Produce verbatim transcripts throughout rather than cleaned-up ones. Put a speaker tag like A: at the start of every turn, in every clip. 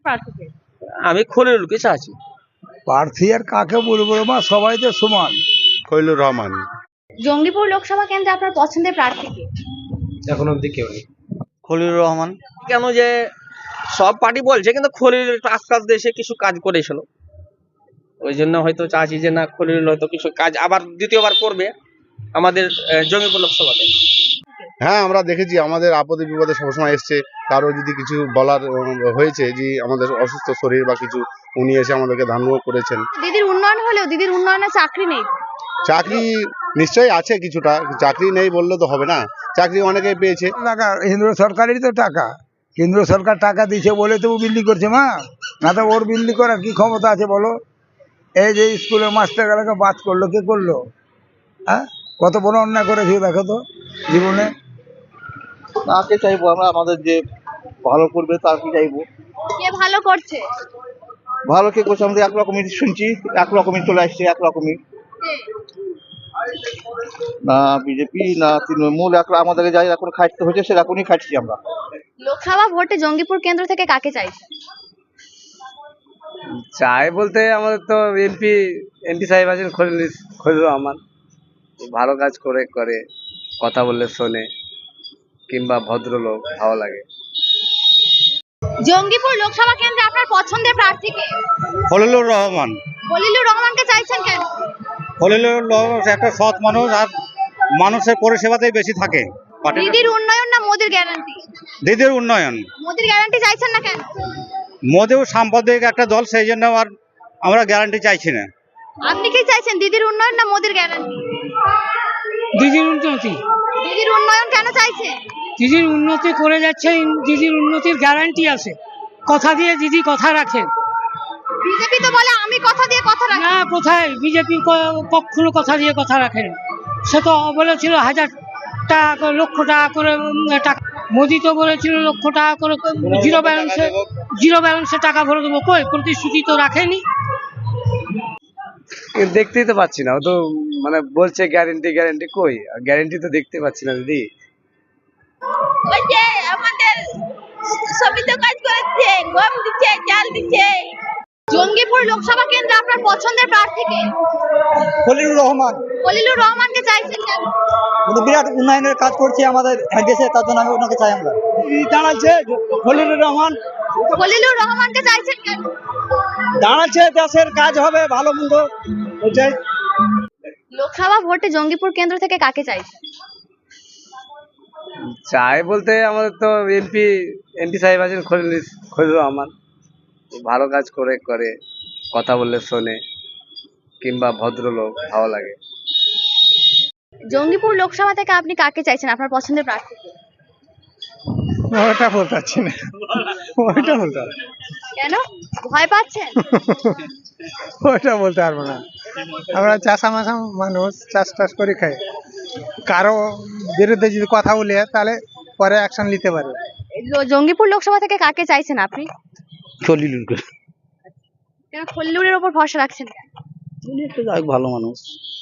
A: প্রার্থীকে?
B: আমি খলিলুরকে চাচ্ছি।
C: প্রার্থী আর কাকে বলবো মা, সবাই তো সমান।
D: খলিলুর রহমান।
A: জঙ্গিপুর লোকসভা কেন্দ্রে আপনার পছন্দের প্রার্থীকে?
E: এখন অব্দি কেউ নেই।
B: খলিলুর রহমান। কেন যে সব পার্টি বলছে, কিন্তু খলিল কাজ কাজ দেশে কিছু কাজ করেছিল, ওই জন্য হয়তো চাচ্ছি যে না, খলিল হয়তো কিছু কাজ আবার দ্বিতীয়বার করবে আমাদের আহ, জঙ্গিপুর লোকসভাতে।
D: হ্যাঁ, আমরা দেখেছি আমাদের আপদে বিপদে সবসময় এসছে। কারো যদি কিছু বলার উম, হয়েছে যে আমাদের অসুস্থ শরীর বা কিছু, উনি এসে আমাদেরকে ধান্যও করেছেন।
A: দিদির উন্নয়ন হলেও দিদির উন্নয়নে চাকরি নেই।
D: চাকরি নিশ্চয়ই আছে কিছুটা, চাকরি নেই বললে তো হবে না, চাকরি অনেকেই পেয়েছে।
C: টাকা কেন্দ্র সরকারেরই তো টাকা, কেন্দ্র সরকার টাকা দিচ্ছে বলে তো ও বিল্ডিং করছে মা, না তো ওর বিল্ডিং করার কি ক্ষমতা আছে বলো? এই যে স্কুলের মাস্টারগুলোকে বাদ করলো, কে করলো? হ্যাঁ, কত বড় অন্যায় করেছে দেখো তো জীবনে।
F: তাকে চাইবো আমরা, আমাদের যে ভালো করবে তাকে চাইবো।
A: কে ভালো করছে?
F: ভালো কে করছে আমাদের একরকমই শুনছি, একরকমই চলে আসছে, একরকমই। না বিজেপি না তৃণমূল, এক আমাদেরকে যাই এখন খাটতে হচ্ছে সেরকমই খাটছি আমরা।
A: লোকসভা ভোটে জঙ্গিপুর কেন্দ্র থেকে কাকে চাইছে?
E: চাই বলতে আমাদের তো এমপি এমপি সাহেব আছেন খলিল খলিলুর রহমান। ভালো কাজ করে করে কথা বললে শোনে, কিংবা ভদ্রলোক, ভালো লাগে।
A: জঙ্গিপুর লোকসভা কেন্দ্রে আপনার পছন্দের প্রার্থীকে?
D: খলিলুর রহমান।
A: খলিলুর রহমানকে চাইছেন কেন?
D: খলিলুর রহমান একটা সৎ মানুষ, আর মানুষের পরিষেবাতেই বেশি থাকে।
A: দিদির উন্নয়ন না মোদির গ্যারান্টি?
D: দিদির উন্নয়ন।
A: মোদির গ্যারান্টি চাইছেন না কেন?
D: মোদিও সাম্প্রদায়িক একটা দল, সেই জন্য আর আমরা গ্যারান্টি চাইছি না।
A: আপনি কি চাইছেন, দিদির উন্নয়ন না মোদির গ্যারান্টি?
G: দিদির উন্নতি।
A: দিদির উন্নয়ন কেন চাইছে?
G: দিদির উন্নতি করে যাচ্ছে, দিদির উন্নতির গ্যারান্টি আছে, কথা দিয়ে দিদি কথা রাখেন।
A: বিজেপি তো বলে আমি কথা দিয়ে কথা রাখি।
G: না, কোথায় বিজেপি কখনো কথা দিয়ে কথা রাখেন? সে তো বলেছিল হাজার টাকা করে, লক্ষ টাকা করে উম, টাকা। মোদি তো বলেছিল লক্ষ টাকা করে জিরো ব্যালেন্সে জিরো ব্যালেন্সে টাকা ভরে দেবো, কই প্রতিশ্রুতি তো রাখেনি।
E: দেখতেই তো পাচ্ছি না, ও তো মানে বলছে গ্যারেন্টি গ্যারেন্টি, কই গ্যারেন্টি তো দেখতে পাচ্ছি না দিদি।
H: ওই যে আমাদের সবই তো কাজ করেছে, গম দিচ্ছে, চাল দিচ্ছে।
A: জঙ্গিপুর লোকসভা কেন্দ্রে আপনার পছন্দের প্রার্থীকে?
C: খলিলুর রহমান।
A: খলিলুর রহমানকে চাইছেন কেন?
C: উনি বিরাট উন্নয়নের কাজ করছে আমাদের দেশে, তার জন্য আমি ওনাকে চাই। আমরা দাঁড়াচ্ছে খলিলুর রহমান,
A: খলিলুর রহমানকে চাইছেন কেন?
C: দাঁড়াচ্ছে দেশের কাজ হবে ভালো মন্দ।
A: লোকসভা ভোটে জঙ্গিপুর কেন্দ্র থেকে কাকে চাইছেন?
E: চাই বলতে আমাদের তো এমপি এমপি সাহেব আছেন খলিল খলিলুর রহমান। ভালো কাজ করে করে কথা বললে শোনে, কিংবা ভদ্রলোক, ভালো লাগে।
A: জঙ্গিপুর লোকসভা থেকে আপনি কাকে চাইছেন, আপনার পছন্দের প্রার্থীকে?
C: ওটা বলতে পারছি না, ওইটা বলতে পারছি
A: কেন ভয় পাচ্ছেন?
C: ওইটা বলতে পারবো না। আমরা চাষামাশা মানুষ, চাষ টাস করে খাই। কারো বিরুদ্ধে যদি কথা বলে তাহলে পরে অ্যাকশন নিতে পারে।
A: লো- জঙ্গিপুর লোকসভা থেকে কাকে চাইছেন আপনি?
F: খলিলুরকে।
A: কেন খলিলুরের উপর ভরসা রাখছেন কেন?
F: উনি একটা যাই ভালো মানুষ।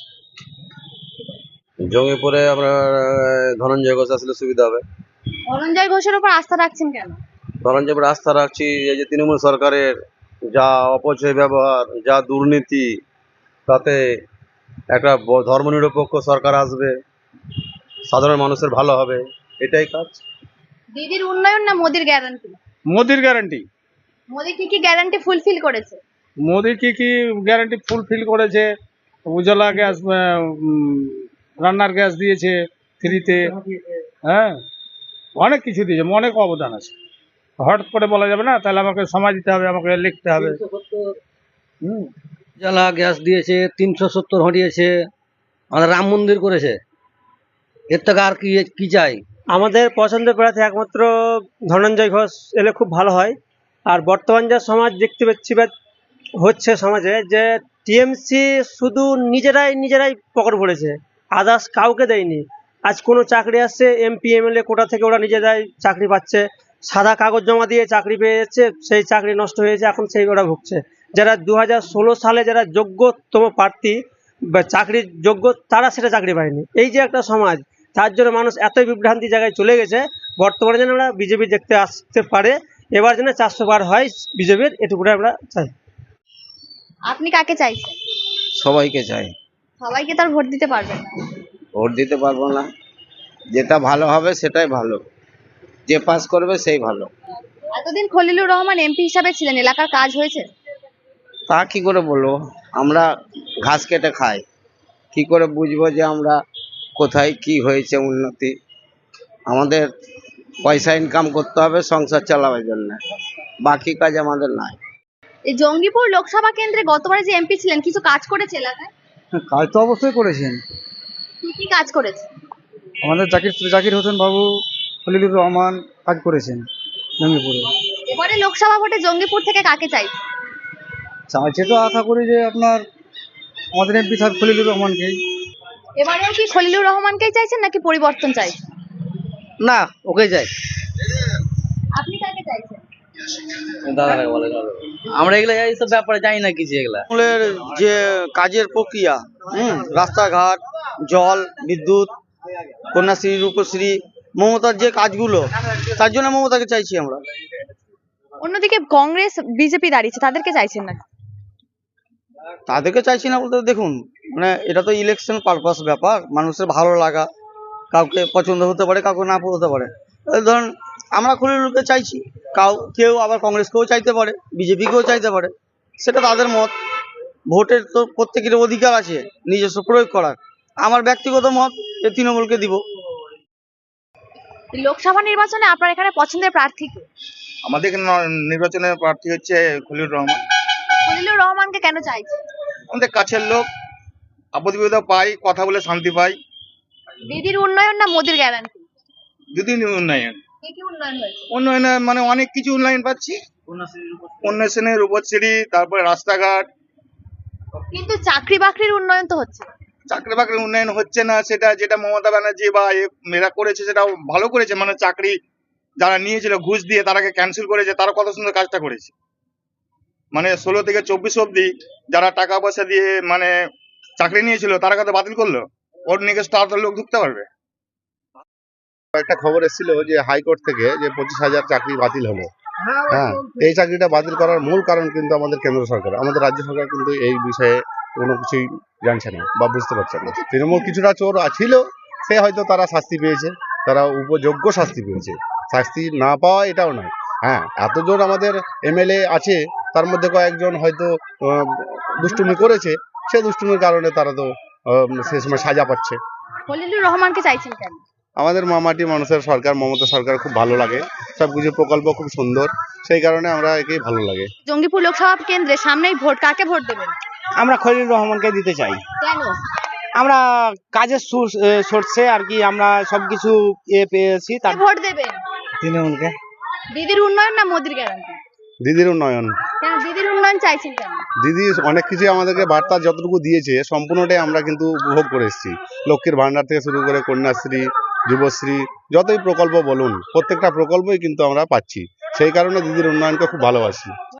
I: জঙ্গিপুরে আমরা ধনঞ্জয় ঘোষ আসলে সুবিধা হবে।
A: ধনঞ্জয় ঘোষের উপর আস্থা রাখছেন কেন?
I: ধনঞ্জয় আস্থা রাখছি, এই যে তৃণমূল সরকারের যা অপচয় ব্যবহার, যা দুর্নীতি, তাতে একটা ব- ধর্মনিরপেক্ষ সরকার আসবে, সাধারণ মানুষের ভালো হবে, এটাই কাজ।
A: দিদির উন্নয়ন না মোদির গ্যারান্টি?
J: মোদির গ্যারান্টি।
A: মোদি কি কি গ্যারান্টি ফুলফিল করেছে?
J: মোদি কি কি গ্যারান্টি ফুলফিল করেছে? উজ্জ্বলা গ্যাস, রান্নার গ্যাস দিয়েছে ফ্রিতে, হ্যাঁ অনেক কিছু দিয়েছে, অনেক অবদান আছে। হঠাৎ করে বলা যাবে না, তাহলে আমাকে সময় দিতে হবে, আমাকে লিখতে হবে। হুম,
E: উজ্জ্বলা গ্যাস দিয়েছে, তিনশো সত্তর হটিয়েছে, আমাদের রাম মন্দির করেছে, এর থেকে আর কি কি চাই?
K: আমাদের পছন্দের প্রার্থী একমাত্র ধনঞ্জয় ঘোষ এলে খুব ভালো হয়। আর বর্তমান যা সমাজ দেখতে পাচ্ছি বা হচ্ছে সমাজে, যে টিএমসি শুধু নিজেরাই নিজেরাই পকেট ভরেছে, আদার্স কাউকে দেয়নি। আজ কোনো চাকরি আসছে এমপি এমএলএ কোটা থেকে, ওরা নিজেরাই চাকরি পাচ্ছে, সাদা কাগজ জমা দিয়ে চাকরি পেয়ে যাচ্ছে, সেই চাকরি নষ্ট হয়েছে, এখন সেই ওরা ভুগছে। যারা দু হাজার ষোলো সালে যারা যোগ্যতম প্রার্থী বা চাকরির যোগ্য, তারা সেটা চাকরি পায়নি। এই যে একটা সমাজ, তার জন্য মানুষ এতই বিভ্রান্তি জায়গায় চলে গেছে, বর্তমানে যেন আমরা বিজেপি দেখতে আসতে পারে এবার যেন চারশো বার হয় বিজেপির, এটুকুটা আমরা চাই।
A: আপনি কাকে চাইছেন?
B: সবাইকে চাই।
A: সবাইকে তার ভোট দিতে পারবেন না?
B: ভোট দিতে পারবো না, যেটা ভালো হবে সেটাই ভালো, যে পাস করবে সেই ভালো।
A: এতদিন খলিলুর রহমান এমপি হিসাবে ছিলেন, এলাকার কাজ হয়েছে?
B: তা কি করে বলবো, আমরা ঘাস কেটে খাই, কি করে বুঝবো যে আমরা কোথায় কি হয়েছে উন্নতি? আমাদের পয়সা ইনকাম করতে হবে সংসার চালাবার জন্য, বাকি কাজ আমাদের নাই।
A: এই জঙ্গিপুর লোকসভা কেন্দ্রে গতবারে যে এমপি ছিলেন কিছু কাজ করেছে এলাকায়?
C: কাজ তো অবশ্যই করেছেন।
A: কি কি কাজ করেছে?
C: আমাদের জাকির জাকির হোসেন বাবু, খলিলুর রহমান কাজ করেছেন জঙ্গিপুরে।
A: এবারে লোকসভা ভোটে জঙ্গিপুর থেকে কাকে চাইছে?
C: চাইছে তো আশা করি যে আপনার আমাদের এমপি সাহেব খলিলুর রহমানকেই।
A: এবারেও কি খলিলুর রহমানকেই চাইছেন নাকি পরিবর্তন চাইছেন?
B: না, ওকে যাই।
A: আপনি কাকে চাইছেন?
E: আমরা এগুলো এইসব ব্যাপারে জানি না কিছু এগুলা।
B: তৃণমূলের যে কাজের প্রক্রিয়া, হুম রাস্তাঘাট, জল, বিদ্যুৎ, কন্যাশ্রী, রূপশ্রী, মমতার যে কাজগুলো, তার জন্য মমতাকে চাইছি আমরা।
A: অন্যদিকে কংগ্রেস বিজেপি দাঁড়িয়েছে, তাদেরকে চাইছেন না?
B: তাদেরকে চাইছি না বলতে দেখুন, মানে এটা তো ইলেকশন পারপাস ব্যাপার, মানুষের ভালো লাগা কাউকে পছন্দ হতে পারে, কাউকে না হতে পারে। এই ধরুন আমরা খলিলুরকে চাইছি, কাউ কেউ আবার কংগ্রেসকেও চাইতে পারে, বিজেপিকেও চাইতে পারে, সেটা তাদের মত। ভোটের তো প্রত্যেকের অধিকার আছে নিজস্ব প্রয়োগ করার। আমার ব্যক্তিগত মত যে তৃণমূলকে দিব।
A: লোকসভা নির্বাচনে আপনার এখানে পছন্দের প্রার্থী কে?
F: আমাদের এখানে ন- নির্বাচনের প্রার্থী হচ্ছে খলিলুর রহমান।
A: খলিলুর রহমানকে কেন চাইছেন?
F: আমাদের কাছের লোক, আপদ বিপদে পাই, কথা বলে শান্তি পাই।
A: দিদির উন্নয়ন না মোদির গ্যারান্টি?
F: যদি উন্নয়ন
A: কি কি উন্নয়ন হয়েছে?
F: উন্নয়নে মানে অনেক কিছু উন্নয়ন পাচ্ছি, উন্নয়নের রূপশ্রী, তারপরে রাস্তাঘাট।
A: কিন্তু চাকরি বাকরির উন্নয়ন তো হচ্ছে না।
F: চাকরি বাকরির উন্নয়ন হচ্ছে না, সেটা যেটা মমতা ব্যানার্জি বা এ- এরা করেছে সেটা ভালো করেছে। মানে চাকরি যারা নিয়েছিল ঘুষ দিয়ে তারাকে ক্যান্সেল করেছে, তারা কত সুন্দর কাজটা করেছে। মানে ষোলো থেকে চব্বিশ অব্দি যারা টাকা পয়সা দিয়ে মানে চাকরি নিয়েছিল তারা কত বাতিল করলো, ওর নিয়ে স্টার লোক ঢুকতে পারবে।
D: একটা খবর এসেছিল যে হাইকোর্ট থেকে যে পঁচিশ হাজার চাকরি বাতিল হলো। হ্যাঁ, এই চাকরিটা বাতিল করার মূল কারণ কিন্তু আমাদের কেন্দ্র সরকার, আমাদের রাজ্য সরকার কিন্তু এই বিষয়ে কোনো কিছুই জানছে না বা বুঝতে পারছে না। তৃণমূল কিছুটা চোর ছিল, সে হয়তো তারা শাস্তি পেয়েছে, তারা উপযোগ্য শাস্তি পেয়েছে, শাস্তি না পাওয়া এটাও নয়। হ্যাঁ, এত জোর আমাদের এমএলএ আছে, তার মধ্যে কয়েকজন হয়তো আহ, দুষ্টুমি করেছে, সে দুষ্টুমির কারণে তারা তো আহ, সে সময় সাজা পাচ্ছে।
A: খলিলুর রহমানকে চাইছেন কেন?
D: আমাদের মামাটি মানুষের সরকার, মমতা সরকার খুব ভালো লাগে, সবকিছু প্রকল্প খুব সুন্দর, সেই কারণে আমরা একেই ভালো লাগে।
A: জঙ্গিপুর লোকসভা কেন্দ্রে সামনেই ভোট, কাকে ভোট দেবেন?
B: আমরা খলিলুর রহমানকে দিতে চাই।
A: কেন?
B: আমরা কাজের সোর্সে আর কি আমরা সবকিছু এ পেয়েছি।
A: কাকে ভোট দেবেন?
C: তৃণমূলকে।
A: দিদির উন্নয়ন না মোদির গ্যারান্টি?
D: দিদির উন্নয়ন।
A: কেন দিদির উন্নয়ন চাইছেন কেন?
D: দিদি অনেক কিছু আমাদেরকে বার্তা যতটুকু দিয়েছে সম্পূর্ণটাই আমরা কিন্তু উপভোগ করে এসেছি। লক্ষ্মীর ভান্ডার থেকে শুরু করে কন্যাশ্রী, যুবশ্রী, যতই প্রকল্প বলুন প্রত্যেকটা প্রকল্পই কিন্তু আমরা পাচ্ছি, সেই কারণে দিদির উন্নয়নকে খুব ভালোবাসি।